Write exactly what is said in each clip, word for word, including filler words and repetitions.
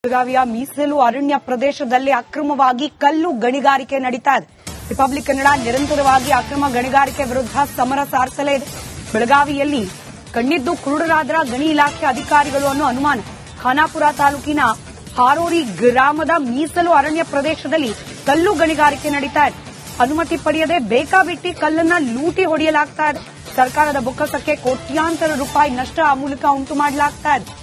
ಬೆಳಗಾವಿಯ ಮೀಸಲು ಅರಣ್ಯ ಪ್ರದೇಶದಲ್ಲಿ ಅಕ್ರಮವಾಗಿ ಕಲ್ಲು ಗಣಿಗಾರಿಕೆ ನಡೀತಾ ಇದೆ. ರಿಪಬ್ಲಿಕ್ ಕನ್ನಡ ನಿರಂತರವಾಗಿ ಅಕ್ರಮ ಗಣಿಗಾರಿಕೆ ವಿರುದ್ಧ ಸಮರ ಸಾರಿಸಲೇ ಇದೆ. ಬೆಳಗಾವಿಯಲ್ಲಿ ಕಣ್ಣಿದ್ದು ಕುರುಡರಾದ್ರ ಗಣಿ ಇಲಾಖೆ ಅಧಿಕಾರಿಗಳು ಅನ್ನೋ ಅನುಮಾನ. ಖಾನಾಪುರ ತಾಲೂಕಿನ ಹಾರೋರಿ ಗ್ರಾಮದ ಮೀಸಲು ಅರಣ್ಯ ಪ್ರದೇಶದಲ್ಲಿ ಕಲ್ಲು ಗಣಿಗಾರಿಕೆ ನಡೀತಾ ಇದೆ. ಅನುಮತಿ ಪಡೆಯದೆ ಬೇಕಾಬಿಟ್ಟಿ ಕಲ್ಲನ್ನ ಲೂಟಿ ಹೊಡೆಯಲಾಗ್ತಾ ಇದೆ. ಸರ್ಕಾರದ ಬೊಕ್ಕಸಕ್ಕೆ ಕೋಟ್ಯಾಂತರ ರೂಪಾಯಿ ನಷ್ಟ ಆ ಮೂಲಕ ಉಂಟು ಮಾಡಲಾಗ್ತಾ ಇದೆ.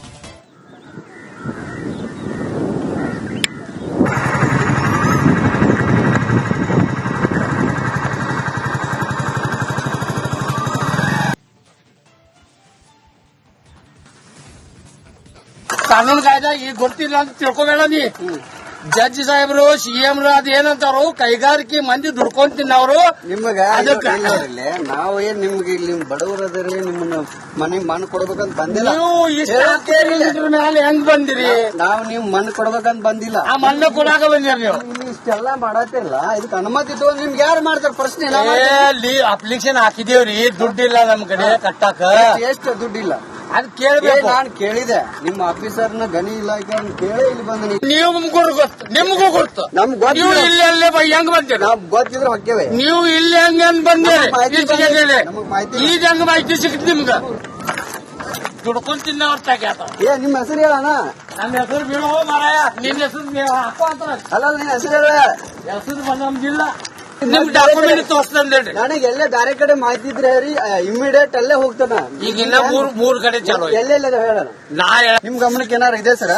ಕಾನೂನು ಕಾಯ್ದೆ ಈಗ ಗೊತ್ತಿಲ್ಲ ಅಂತ ತಿಳ್ಕೊಬೇಡ ನೀ. ಜಡ್ಜ್ ಸಾಹೇಬ್ರು ಸಿಎಂ ಅದೇನಂತಾರು ಕೈಗಾರಿಕೆ ಮಂದಿ ದುಡ್ಕೊಂಡ್ ತಿನ್ನವ್ರು ನಿಮಗ ನಾವು ಏನ್ ನಿಮ್ಗೆ ಇಲ್ಲಿ ಬಡವರದಲ್ಲಿ ನಿಮ್ಮನ್ನ ಮನೆಗ್ ಮಣ್ಣು ಕೊಡ್ಬೇಕಂತ ಬಂದಿಲ್ಲ. ನೀವು ಇಷ್ಟ ಮೇಲೆ ಹೆಂಗ್ ಬಂದಿರಿ? ನಾವು ನೀವು ಮಣ್ಣು ಕೊಡ್ಬೇಕಂತ ಬಂದಿಲ್ಲ. ಆ ಮಣ್ಣು ಕೊಡಾಕ ಬಂದಿರಿ ನೀವು. ಇಲ್ಲಿ ಇಷ್ಟೆಲ್ಲಾ ಮಾಡತ್ತಿಲ್ಲ, ಇದಕ್ಕೆ ಅನುಮತಿ ತಗೊಂಡ್ ನಿಮ್ಗೆ ಯಾರು ಮಾಡ್ತಾರ ಪ್ರಶ್ನೆ? ಅಪ್ಲಿಕೇಶನ್ ಹಾಕಿದೇವ್ರಿ, ದುಡ್ಡಿಲ್ಲ ನಮ್ ಕಡೆ ಕಟ್ಟಾಕ. ಎಷ್ಟು ದುಡ್ಡಿಲ್ಲ ಅದ್ ಕೇಳ್ಬೇಕು. ನಾನು ಕೇಳಿದೆ ನಿಮ್ಮ ಆಫೀಸರ್ನ ಗಣಿ ಇಲಾಖೆ ಕೇಳಿ ಇಲ್ಲಿ ಬಂದ. ನೀವು ಗೊತ್ತು, ನಿಮ್ಗೂ ಗೊತ್ತು. ನಮ್ಗೆ ನೀವು ಇಲ್ಲಿ ಅಲ್ಲೇ ಹೆಂಗ್ ಬಂದಿರಿ? ನಾವ್ ಗೊತ್ತಿದ್ರೆ ಹೊಕ್ಕೇವೆ. ನೀವು ಇಲ್ಲಿ ಹೆಂಗ್ ಹೆಂಗ್ ಬಂದಿರಿ? ನಮಗ್ ಮಾಹಿತಿ ಈಗ ಹೆಂಗ್ ಮಾಹಿತಿ ಸಿಕ್ತು ನಿಮ್ಗ? ದುಡ್ಕೊಂಡ್ ತಿನ್ನವ್ರ ತಾಗ್ಯಾತ. ಏ ನಿಮ್ಮ ಹೆಸರು ಹೇಳಣ. ನನ್ನ ಹೆಸರು ಬೀಳೋ ಮಾರಾಯ, ನಿನ್ನ ಹೆಸರು ಹಾಕೋ ಅಂತ. ಅಲ್ಲ ನಿನ್ನ ಹೆಸರು ಹೇಳ. ಹೆಸರು ಬಂದಿಲ್ಲ. ನಿಮ್ ಡಾಕ್ಯುಮೆಂಟ್ ತೋರಿಸ್ತಂದೇಳಿ. ನನಗೆ ಎಲ್ಲೇ ಬೇರೆ ಕಡೆ ಮಾಹಿತಿ ಇದ್ರೆ ಹೇಳಿ, ಇಮಿಡಿಯೇಟ್ ಅಲ್ಲೇ ಹೋಗ್ತಾನ. ಈಗ ಇನ್ನ ಮೂರ್ ಮೂರ್ ಕಡೆ ಚಾಲೋ ಎಲ್ಲೆಲ್ಲ ಹೇಳ. ನಾ ನಿಮ್ ಗಮನಕ್ಕೆ ಏನಾರು ಇದೆ ಸರ?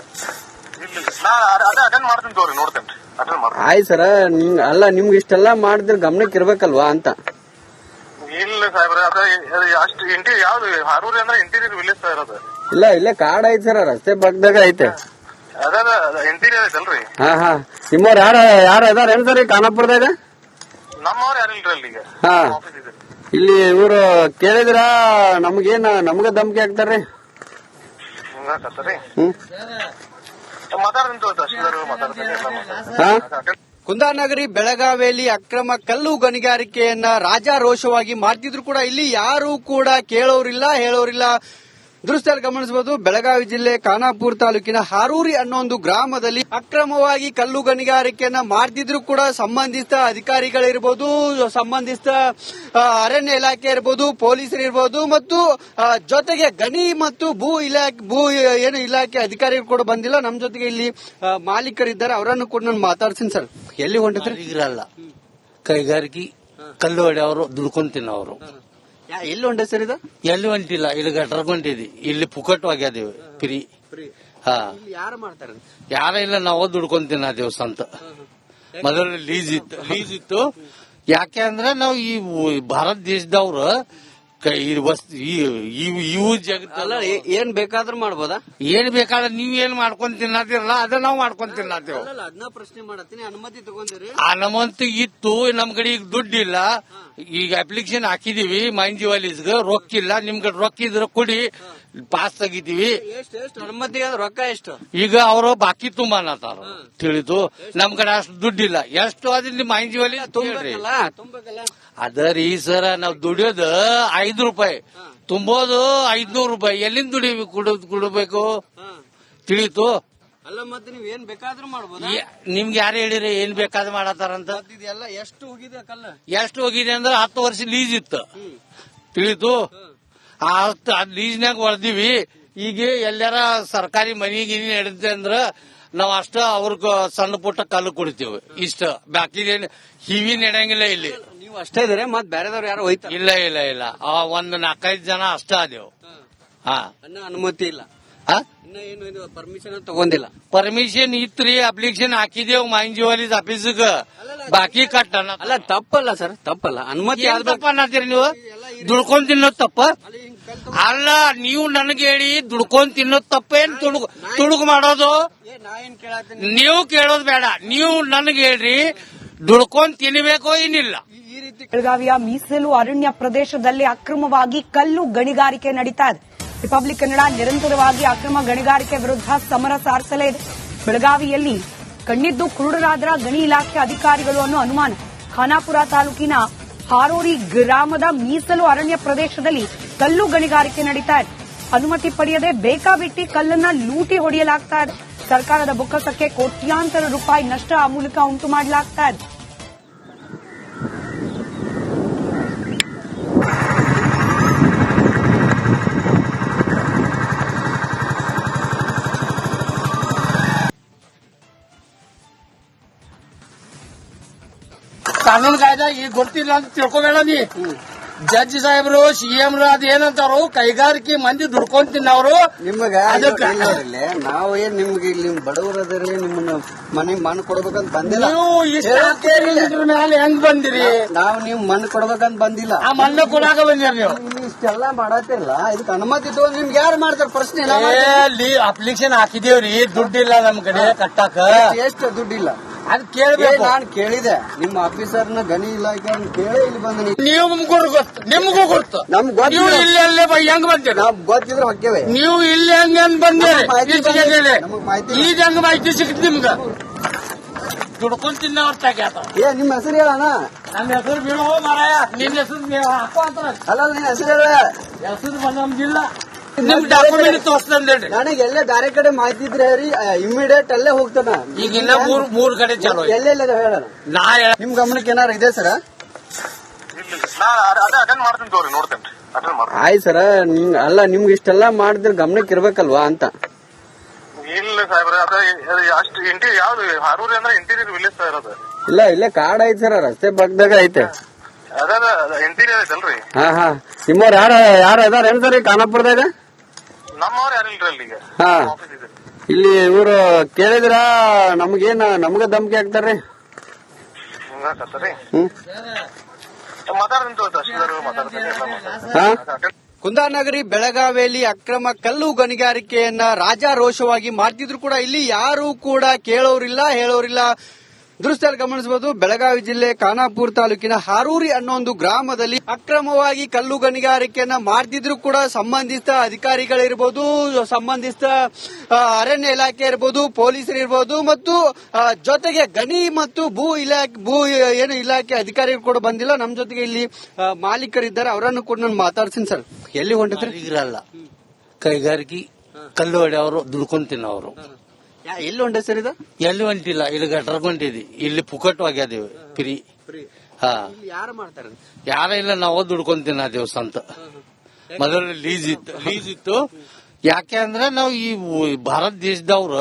ಆಯ್ತು ಸರ. ನಿಮ್ ಅಲ್ಲ ನಿಮ್ಗೆ ಇಷ್ಟೆಲ್ಲಾ ಮಾಡಿದ್ರೆ ಗಮನಕ್ಕೆ ಇರ್ಬೇಕಲ್ವಾ ಅಂತ. ಇಲ್ಲ ಸಾಹೇಬ್ರೆ, ಅದ ಅಷ್ಟು ಇಂಟೀರಿಯರ್ ಯಾವ್ದು ಹಾರೂರಿ ಅಂದ್ರೆ ಇಂಟೀರಿಯರ್ ವಿಲೇಜ್ ಸರ್ ಅದು. ಇಲ್ಲ ಇಲ್ಲೇ ಕಾಡ್ ಐತಿ ಸರ, ರಸ್ತೆ ಪಕ್ಕದಾಗ ಐತೆ. ಅದ ಇಂಟೀರಿಯರ್ ಐತಲ್ರಿ. ಹಾ ಹಾ ನಿಮ್ಮವ್ರ ಯಾರ ಯಾರ ಅದಾರ ಏನ್ ಸರ್ ಖಾನಾಪುರದಾಗ? ನಮ್ಮವ್ರು ಯಾರಿಲ್ರಿ ಅಲ್ಲಿ ಈಗ. ಹಾ ಇಲ್ಲಿ ಇವ್ರು ಕೇಳಿದ್ರ ನಮ್ಗೇನ್ ನಮ್ಗ ಧಮ್ಕಿ ಹಾಕ್ತಾರ್ರಿ. ಹ್ಮ್ ಕುಂದಾನಗರಿ ಬೆಳಗಾವಿಯಲ್ಲಿ ಅಕ್ರಮ ಕಲ್ಲು ಗಣಿಗಾರಿಕೆಯನ್ನ ರಾಜಾರೋಷವಾಗಿ ಮಾಡ್ತಿದ್ರು ಕೂಡ ಇಲ್ಲಿ ಯಾರು ಕೂಡ ಕೇಳೋರಿಲ್ಲ, ಹೇಳೋರಿಲ್ಲ. ದೃಶ್ಯದಲ್ಲಿ ಗಮನಿಸಬಹುದು, ಬೆಳಗಾವಿ ಜಿಲ್ಲೆ ಖಾನಾಪುರ ತಾಲೂಕಿನ ಹಾರೂರಿ ಅನ್ನೋ ಒಂದು ಗ್ರಾಮದಲ್ಲಿ ಅಕ್ರಮವಾಗಿ ಕಲ್ಲು ಗಣಿಗಾರಿಕೆಯನ್ನ ಮಾಡ್ತಿದ್ರು ಕೂಡ ಸಂಬಂಧಿಸಿದ ಅಧಿಕಾರಿಗಳಿರ್ಬೋದು, ಸಂಬಂಧಿಸಿದ ಅರಣ್ಯ ಇಲಾಖೆ ಇರ್ಬೋದು, ಪೊಲೀಸರು ಇರ್ಬೋದು, ಮತ್ತು ಜೊತೆಗೆ ಗಣಿ ಮತ್ತು ಭೂ ಇಲಾಖೆ ಭೂ ಏನು ಇಲಾಖೆ ಅಧಿಕಾರಿಗಳು ಕೂಡ ಬಂದಿಲ್ಲ. ನಮ್ಮ ಜೊತೆಗೆ ಇಲ್ಲಿ ಮಾಲೀಕರಿದ್ದಾರೆ, ಅವರನ್ನು ಕೂಡ ನಾನು ಮಾತಾಡ್ತೀನಿ. ಸರ್, ಎಲ್ಲಿ ಹೊಂಟಿದ್ರೆ? ಇರಲ್ಲ ಕೈಗಾರಿಕೆ ಕಲ್ಲು ಹೊಡೆಯವರು ದುಡ್ಕೊಂಡ್ ತಿನ್ನೋರು. ಎಲ್ಲಿ ಹೊಂಟ ಸರ್ ಇದು? ಎಲ್ಲಿ ಹೊಂಟಿಲ್ಲ, ಇಲ್ಲಿ ಗಟ್ರಗೊಂಡಿದ್ವಿ, ಇಲ್ಲಿ ಪುಕಟ್ ಆಗ್ಯಾದೇವಿ ಫ್ರೀ. ಹಾ ಯಾರು ಮಾಡ್ತಾರೆ? ಯಾರ ಇಲ್ಲ, ನಾವು ದುಡ್ಕೊಂಡ್ ತಿನ್ನದೇವ್ ಸಂತ. ಮೊದಲು ಲೀಸ್ ಇತ್ತು ಲೀಸ್ ಇತ್ತು ಯಾಕೆ ಅಂದ್ರೆ ನಾವು ಈ ಭಾರತ ದೇಶದವ್ರು ಇವು ಜಗತ್ತಲ್ಲ ಏನ್ ಬೇಕಾದ್ರೂ ಮಾಡ್ಬೋದಾ? ಏನ್ ಬೇಕಾದ್ರೆ ನೀವ್ ಏನ್ ಮಾಡ್ಕೊಂಡ್ ತಿನ್ನದಿರಲ್ಲ, ಅದ ನಾವು ಮಾಡ್ಕೊಂಡ್ ತಿನ್ನತ್ತೇವ್. ಅದನ್ನ ಪ್ರಶ್ನೆ ಮಾಡತ್ತೀನಿ, ಅನುಮತಿ ತಗೊಂಡಿರಿ? ಆ ನಮ್ಮಂತ ಇತ್ತು, ನಮ್ ಕಡೆ ಈಗ ದುಡ್ಡಿಲ್ಲ. ಈಗ ಅಪ್ಲಿಕೇಶನ್ ಹಾಕಿದೀವಿ ಮೈನ್ ಜಿವಾಲೀಸ್ಗೆ, ರೊಕ್ಕಿಲ್ಲ. ನಿಮ್ ಕಡೆ ರೊಕ್ಕ ಇದ್ರೆ ಕೊಡಿ, ಪಾಸ್ ತೆಗಿತೀವಿ. ಅನುಮತಿ ರೊಕ್ಕ ಎಷ್ಟು? ಈಗ ಅವರು ಬಾಕಿ ತುಂಬಾ ಅನ್ನತಾರ, ತಿಳಿದು. ನಮ್ ಕಡೆ ಅಷ್ಟು ದುಡ್ಡಿಲ್ಲ. ಎಷ್ಟು ಅದ್ರಲ್ಲಿ ಮೈನ್ ಜಿವಾಲಿ ಅದರಿ ಸರ. ನಾವ್ ದುಡಿಯೋದು ಐದು ರೂಪಾಯಿ, ತುಂಬೋದು ಐದ್ನೂರು ರೂಪಾಯಿ. ಎಲ್ಲಿಂದ ದುಡಿಬೇಕು ಕುಡಬೇಕು, ತಿಳಿತು. ಅಲ್ಲ ಮತ್ತೆ ನೀವ್ ಏನ್ ಬೇಕಾದ್ರೂ ಮಾಡ್ಬೋದು. ನಿಮ್ಗೆ ಯಾರು ಹೇಳಿರಿ ಏನ್ ಬೇಕಾದ್ರೂ ಮಾಡತಾರಂತ? ಎಲ್ಲ ಎಷ್ಟು ಹೋಗಿದೆ ಕಲ್ಲ? ಎಷ್ಟು ಹೋಗಿದೆ ಅಂದ್ರೆ ಹತ್ತು ವರ್ಷ ಲೀಸ್ ಇತ್ತು, ತಿಳಿತು. ಆ ಹತ್ತು ಲೀಸ್ನಾಗ ಹೊಡೆದಿವಿ. ಈಗ ಎಲ್ಲಾರ ಸರ್ಕಾರಿ ಮನಿ ಗಿನಿ ನಡೆಯುತ್ತೆ ಅಂದ್ರ ನಾವ್ ಅಷ್ಟ ಅವ್ರ ಸಣ್ಣ ಪುಟ್ಟ ಕಲ್ಲು ಕೊಡ್ತೀವಿ. ಇಷ್ಟ ಬಾಕಿ ಹಿವಿ ನಡೆಯಂಗಿಲ್ಲ ಇಲ್ಲಿ. ನೀವು ಅಷ್ಟೇ ಇದ್ರೆ ಮತ್ ಬೇರೆದವ್ರು ಯಾರು ಹೋಯ್ತಾರೆ? ಇಲ್ಲ ಇಲ್ಲ ಇಲ್ಲ, ಒಂದ್ ನಾಲ್ಕೈದು ಜನ ಅಷ್ಟ ಅದೇವು. ಹಾ ಅನುಮತಿ ಇಲ್ಲ, ಇನ್ನ ಏನು ಪರ್ಮಿಷನ್ ತಗೊಂಡಿಲ್ಲ. ಪರ್ಮಿಷನ್ ಇತ್ರಿ, ಅಪ್ಲಿಕೇಶನ್ ಹಾಕಿದೇವ್ ಮೈನ್ ಜಿವಾಲೀಸ್ ಆಫೀಸ್ಗ, ಬಾಕಿ ಕಟ್ಟ. ಅಲ್ಲ ತಪ್ಪಲ್ಲ ಸರ್, ತಪ್ಪಲ್ಲ. ಅನುಮತಿ ತಪ್ಪ ಅನ್ನತ್ತೀರಿ ನೀವು? ದುಡ್ಕೊಂಡ್ ತಿನ್ನೋದ್ ತಪ್ಪ ಅಲ್ಲ. ನೀವು ನನಗೆ ಹೇಳಿ ದುಡ್ಕೊಂಡ್ ತಿನ್ನೋದ್ ತಪ್ಪೇನ್? ತುಡುಗು ತುಡುಗು ಮಾಡೋದು ನೀವು ಕೇಳೋದ್ ಬೇಡ. ನೀವು ನನಗೆ ಹೇಳ್ರಿ ದುಡ್ಕೊಂಡ್ ತಿನ್ನಬೇಕೋ ಏನಿಲ್ಲ. ಬೆಳಗಾವಿಯ ಮೀಸಲು ಅರಣ್ಯ ಪ್ರದೇಶದಲ್ಲಿ ಅಕ್ರಮವಾಗಿ ಕಲ್ಲು ಗಣಿಗಾರಿಕೆ ನಡೀತಾ ಇದೆ. ರಿಪಬ್ಲಿಕ್ ಕನ್ನಡ ನಿರಂತರವಾಗಿ ಅಕ್ರಮ ಗಣಿಗಾರಿಕೆ ವಿರುದ್ಧ ಸಮರ ಸಾರಿಸಲೇ ಇದೆ. ಬೆಳಗಾವಿಯಲ್ಲಿ ಕಣ್ಣಿದ್ದು ಕುರುಡರಾದ್ರ ಗಣಿ ಇಲಾಖೆ ಅಧಿಕಾರಿಗಳು ಅನ್ನೋ ಅನುಮಾನ. ಖಾನಾಪುರ ತಾಲೂಕಿನ ಹಾರೋರಿ ಗ್ರಾಮದ ಮೀಸಲು ಅರಣ್ಯ ಪ್ರದೇಶದಲ್ಲಿ ಕಲ್ಲು ಗಣಿಗಾರಿಕೆ ನಡೀತಾ ಇದೆ. ಅನುಮತಿ ಪಡೆಯದೆ ಬೇಕಾಬಿಟ್ಟಿ ಕಲ್ಲನ್ನ ಲೂಟಿ ಹೊಡೆಯಲಾಗ್ತಾ ಇದೆ. ಸರ್ಕಾರದ ಬೊಕ್ಕಸಕ್ಕೆ ಕೋಟ್ಯಾಂತರ ರೂಪಾಯಿ ನಷ್ಟ ಆ ಮೂಲಕ ಉಂಟು ಮಾಡಲಾಗ್ತಾ ಇದೆ. ಕಾನೂನು ಕಾಯ್ದೆ ಈಗ ಗೊತ್ತಿಲ್ಲ ಅಂತ ತಿಳ್ಕೊಬೇಡ ನೀ. ಜಡ್ಜ್ ಸಾಹೇಬ್ರು ಸಿಎಂರು ಅದೇನಂತಾರು ಕೈಗಾರಿಕೆ ಮಂದಿ ದುಡ್ಕೊಂಡ್ ತಿನ್ನವ್ರು. ನಿಮಗ ಅದಕ್ಕೆ ನಾವು ಏನ್ ನಿಮ್ಗೆ ಇಲ್ಲಿ ಬಡವರದ್ರಿ ನಿಮ್ಮನ್ನ ಮನೆಗ್ ಮಣ್ಣು ಕೊಡ್ಬೇಕಂತ ಬಂದಿಲ್ಲ. ನೀವು ಇದ್ರ ಮೇಲೆ ಹೆಂಗ್ ಬಂದಿರಿ? ನಾವು ನಿಮ್ ಮಣ್ಣು ಕೊಡ್ಬೇಕಂತ ಬಂದಿಲ್ಲ. ಆ ಮಣ್ಣು ಕೊಡಾಕ ಬಂದಿರಿ ನೀವು. ನೀವು ಇಷ್ಟೆಲ್ಲ ಮಾಡತ್ತಿರಲ್ಲ, ಇದಕ್ಕೆ ಅನುಮತಿ ತಗೊಂಡ್ ನಿಮ್ಗೆ ಯಾರು ಮಾಡ್ತಾರ? ಪ್ರಶ್ನೆ ಇಲ್ಲ. ಅಪ್ಲಿಕೇಶನ್ ಹಾಕಿದೇವ್ರಿ, ದುಡ್ಡಿಲ್ಲ ನಮ್ ಕಡೆ ಕಟ್ಟಾಕ. ಎಷ್ಟು ದುಡ್ಡಿಲ್ಲ ಅದ್ ಕೇಳ್ಬೇಕು. ನಾನು ಕೇಳಿದೆ ನಿಮ್ಮ ಆಫೀಸರ್ನ ಗಣಿ ಇಲಾಖೆ ಕೇಳಿ ಇಲ್ಲಿ ಬಂದ. ನೀವು ನಿಮ್ಗೂ ಗೊತ್ತು, ನಿಮ್ಗೂ ಗೊತ್ತು. ನಮ್ಗೆ ನೀವು ಇಲ್ಲಿ ಅಲ್ಲೇ ಹೆಂಗ್ ಬಂದಿರಿ? ನಾವ್ ಗೊತ್ತಿದ್ರೆ ಹೊಕ್ಕೇವೆ. ನೀವು ಇಲ್ಲಿ ಹೆಂಗ್ ಹೆಂಗ್ ಬಂದಿರಿ? ನಮಗ್ ಮಾಹಿತಿ ಈಗ ಹೆಂಗ್ ಮಾಹಿತಿ ಸಿಕ್ತು ನಿಮ್ಗ? ದುಡ್ಕೊಂಡ್ ತಿನ್ನವ್ರ ತಾಗ್ಯಾತ. ಏ ನಿಮ್ ಹೆಸರು ಹೇಳಣ. ನನ್ನ ಹೆಸರು ಬೀಳೋ ಮಾರಾಯ, ನಿನ್ನ ಹೆಸರು ಹಾಕೋ ಅಂತ. ಅಲ್ಲ ನಿನ್ ಹೆಸರು ಹೇಳ. ಹೆಸರು ಬಂದಿಲ್ಲ. ನಿಮ್ ಡಾಕ್ಯುಮೆಂಟ್ ತೋರಿಸ್ತಂದೇಳಿ. ನನಗೆ ಎಲ್ಲೇ ಬೇರೆ ಕಡೆ ಮಾಹಿತಿ ಇದ್ರೆ ಹೇಳಿ, ಇಮಿಡಿಯೇಟ್ ಅಲ್ಲೇ ಹೋಗ್ತಾನ. ಈಗ ಇನ್ನ ಮೂರ್ ಮೂರ್ ಕಡೆ ಚಾಲೋ ಎಲ್ಲೆಲ್ಲ ಹೇಳೋಣ. ನಾ ನಿಮ್ ಗಮನಕ್ಕೆ ಏನಾರು ಇದೆ ಸರ? ನಾ ಅದೇ ಅಟೆಂಡ್ ಮಾಡ್ತೀನಿ ತೋರಿ, ನೋಡ್ತೇನೆ ಅಟೆಂಡ್ ಮಾಡ್ತೀನಿ. ಆಯ್ತು ಸರ. ಅಲ್ಲ ನಿಮ್ಗೆ ಇಷ್ಟೆಲ್ಲ ಮಾಡಿದ್ರೆ ಗಮನಕ್ಕೆ ಇರ್ಬೇಕಲ್ವಾ ಅಂತ. ಇಲ್ಲ ಸಾಹೇಬ್ರೆ, ಅದ ಅಷ್ಟು ಇಂಟೀರಿಯರ್ ಯಾವ್ದು ಹಾರೂರಿ ಅಂದ್ರೆ ಇಂಟೀರಿಯರ್ ವಿಲೇಜ್ ಸರ್ ಅದು. ಇಲ್ಲ ಇಲ್ಲೇ ಕಾಡ್ ಐತಿ ಸರ, ರಸ್ತೆ ಪಕ್ಕದಾಗ ಐತೆ. ಅದ ಇಂಟೀರಿಯರ್ ಐತಲ್ರಿ. ಹಾ ಹಾ ನಿಮ್ಮವ್ರ ಯಾರ ಯಾರ ಅದಾರ ಏನ್ ಸರ್ ಖಾನಾಪುರದಾಗ? ನಮ್ಮವ್ರು ಯಾರಿಲ್ರಿ ಅಲ್ಲಿ ಈಗ. ಹಾ ಆಫೀಸ್ ಇದೆ ಇಲ್ಲಿ ಇವ್ರು ಕೇಳಿದ್ರ ನಮ್ಗೇನ ನಮ್ಗ ಧಮಕಿ ಹಾಕ್ತಾರ್ರಿ. ಹಿಂಗಾಕತ್ತರಿ. ಹ್ಮ್ ಮಾತಾಡ್ತೀನಿ ತೋರಿ, ತಹಶೀಲ್ದಾರ್ ಮಾತಾಡ್ತೀನಿ ಎಲ್ಲ ಮಾತಾಡ್ತೀನಿ. ಹಾ ಅಟೆಂಡ್ ಕುಂದಾನಗರಿ ಬೆಳಗಾವಿಯಲ್ಲಿ ಅಕ್ರಮ ಕಲ್ಲು ಗಣಿಗಾರಿಕೆಯನ್ನ ರಾಜಾರೋಷವಾಗಿ ಮಾಡ್ತಿದ್ರು ಕೂಡ ಇಲ್ಲಿ ಯಾರು ಕೂಡ ಕೇಳೋರಿಲ್ಲ, ಹೇಳೋರಿಲ್ಲ. ದೃಶ್ಯದಲ್ಲಿ ಗಮನಿಸಬಹುದು, ಬೆಳಗಾವಿ ಜಿಲ್ಲೆ ಖಾನಾಪುರ ತಾಲೂಕಿನ ಹಾರೂರಿ ಅನ್ನೋ ಒಂದು ಗ್ರಾಮದಲ್ಲಿ ಅಕ್ರಮವಾಗಿ ಕಲ್ಲು ಗಣಿಗಾರಿಕೆಯನ್ನ ಮಾಡ್ತಿದ್ರು ಕೂಡ ಸಂಬಂಧಿಸಿದ ಅಧಿಕಾರಿಗಳಿರ್ಬೋದು, ಸಂಬಂಧಿಸಿದ ಅರಣ್ಯ ಇಲಾಖೆ ಇರ್ಬೋದು, ಪೊಲೀಸರು ಇರ್ಬೋದು, ಮತ್ತು ಜೊತೆಗೆ ಗಣಿ ಮತ್ತು ಭೂ ಇಲಾಖೆ ಭೂ ಏನು ಇಲಾಖೆ ಅಧಿಕಾರಿಗಳು ಕೂಡ ಬಂದಿಲ್ಲ. ನಮ್ ಜೊತೆಗೆ ಇಲ್ಲಿ ಮಾಲೀಕರಿದ್ದಾರೆ, ಅವರನ್ನು ಕೂಡ ನಾನು ಮಾತಾಡ್ತೀನಿ. ಸರ್ ಎಲ್ಲಿ ಹೊಂಟಿದ್ರಿ? ಇರಲ್ಲ ಕೈಗಾರಿಕೆ ಕಲ್ಲು ಹೊಡೆಯವರು ದುಡ್ಕೊಂಡ್ ತಿನ್ನವರು. ಎಲ್ಲಿ ಹೊಂಟೆ ಸರ್ ಇದು? ಎಲ್ಲಿ ಹೊಂಟಿಲ್ಲ, ಇಲ್ಲಿ ಗಟ್ರ ಹೊಂಟಿದಿ, ಇಲ್ಲಿ ಪುಕಟ್ ಆಗ್ಯಾದೇವಿ ಫ್ರೀ. ಹಾ ಯಾರು ಮಾಡ್ತಾರೆ? ಯಾರ ಇಲ್ಲ, ನಾವು ದುಡ್ಕೊಂಡ್ ತಿನ್ನದೇವ್ ಸಂತ. ಮೊದಲು ಲೀಸ್ ಇತ್ತು ಲೀಸ್ ಇತ್ತು ಯಾಕೆ ಅಂದ್ರೆ ನಾವು ಈ ಭಾರತ ದೇಶದವ್ರು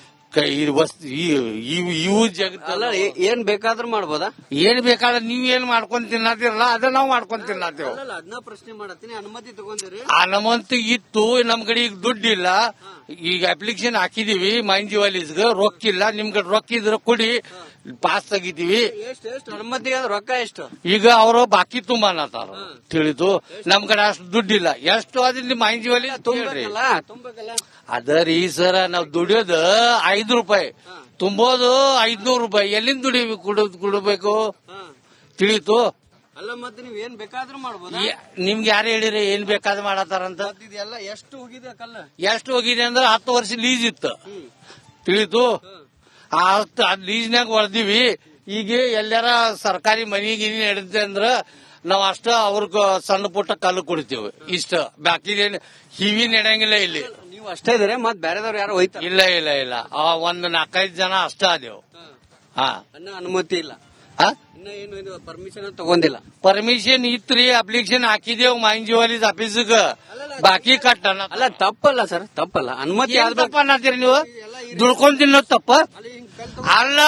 ಇವು ಜಗತ್ತಲ್ಲ ಏನ್ ಬೇಕಾದ್ರೂ ಮಾಡ್ಬೋದಾ? ಏನ್ ಬೇಕಾದ್ರೆ ನೀವ್ ಏನ್ ಮಾಡ್ಕೊಂಡ್ ತಿನ್ನತಿರಲ್ಲ ಅದ ನಾವ್ ಮಾಡ್ಕೊಂಡ್ ತಿನ್ನತೇವ್. ಅದನ್ನ ಪ್ರಶ್ನೆ ಮಾಡತ್ತೀನಿ, ಅನುಮತಿ ತಗೊಂಡಿರಿ? ಅನುಮತಿ ಇತ್ತು, ನಮ್ ಕಡೆ ಈಗ ದುಡ್ಡಿಲ್ಲ. ಈಗ ಅಪ್ಲಿಕೇಶನ್ ಹಾಕಿದೀವಿ ಮೈನ್ ಜಿವಾಲೀಸ್ಗೆ, ರೊಕ್ಕ ಇಲ್ಲ. ನಿಮ್ ಕಡೆ ರೊಕ್ಕ ಇದ್ರೆ ಕೊಡಿ, ಪಾಸ್ ತೆಗಿತೀವಿ. ಎಷ್ಟು ಎಷ್ಟು ಅನುಮತಿ ರೊಕ್ಕ ಎಷ್ಟು? ಈಗ ಅವರು ಬಾಕಿ ತುಂಬ ಅನ್ನತಾರ, ತಿಳಿದು. ನಮ್ ಕಡೆ ಅಷ್ಟು ದುಡ್ಡಿಲ್ಲ. ಎಷ್ಟು ಅದ್ರಲ್ಲಿ ಮೈನ್ ಜಿವಾಲೀಸ್ ತುಂಬ್ರಿ. ಅದರಿ ಸರ, ನಾವ್ ದುಡಿಯೋದು ಐದು ರೂಪಾಯಿ, ತುಂಬೋದು ಐದ್ನೂರು ರೂಪಾಯಿ. ಎಲ್ಲಿಂದ ದುಡಿಬೇಕು? ಕುಡಿದ್ ಕುಡಬೇಕು, ತಿಳಿತು. ಅಲ್ಲ ಮತ್ತೆ ನೀವ್ ಏನ್ ಬೇಕಾದ್ರೂ ಮಾಡ್ಬೋದು. ನಿಮ್ಗೆ ಯಾರು ಹೇಳಿರಿ ಏನ್ ಬೇಕಾದ್ರೂ ಮಾಡತಾರಂತ? ಎಲ್ಲ ಎಷ್ಟು ಹೋಗಿದೆ ಕಲ್ಲ? ಎಷ್ಟು ಹೋಗಿದೆ ಅಂದ್ರೆ ಹತ್ತು ವರ್ಷ ಲೀಸ್ ಇತ್ತು, ತಿಳಿತು. ಆ ಹತ್ತು ಲೀಸ್ನಾಗ ಹೊಡೆದಿವಿ. ಈಗ ಎಲ್ಲಾರ ಸರ್ಕಾರಿ ಮನಿ ಗಿನಿ ನಡೆದ ಅಂದ್ರ ನಾವ್ ಅಷ್ಟ ಅವ್ರಗ ಸಣ್ಣ ಪುಟ್ಟ ಕಲ್ಲು ಕೊಡ್ತೀವಿ. ಇಷ್ಟ ಬಾಕಿ ಹಿವಿ ನಡೆಯಂಗಿಲ್ಲ ಇಲ್ಲಿ. ನೀವು ಅಷ್ಟೇ ಇದ್ರೆ ಮತ್ ಬೇರೆದವ್ರು ಯಾರು ಹೋಯ್ತಾರ? ಇಲ್ಲ ಇಲ್ಲ ಇಲ್ಲ, ಆ ಒಂದ್ ನಾಲ್ಕೈದು ಜನ ಅಷ್ಟ ಅದೇವು. ಹಾ ಅನ್ನ ಅನುಮತಿ ಇಲ್ಲ, ಹಾ ಇನ್ನ ಏನು ಇದು ಪರ್ಮಿಷನ್ ತಗೊಂಡಿಲ್ಲ. ಪರ್ಮಿಷನ್ ಇತ್ರಿ, ಅಪ್ಲಿಕೇಶನ್ ಹಾಕಿದೇವ್ ಮೈನ್ ಜಿವಾಲೀಸ್ ಆಫೀಸ್ಗ, ಬಾಕಿ ಕಟ್ಟ. ಅಲ್ಲ ತಪ್ಪಲ್ಲ ಸರ್, ತಪ್ಪಲ್ಲ. ಅನುಮತಿ ತಪ್ಪ ಅನ್ನತ್ತೀರಿ ನೀವು? ದುಡ್ಕೊಂಡ್ ತಿನ್ನೋದು ತಪ್ಪ ಅಲ್ಲ.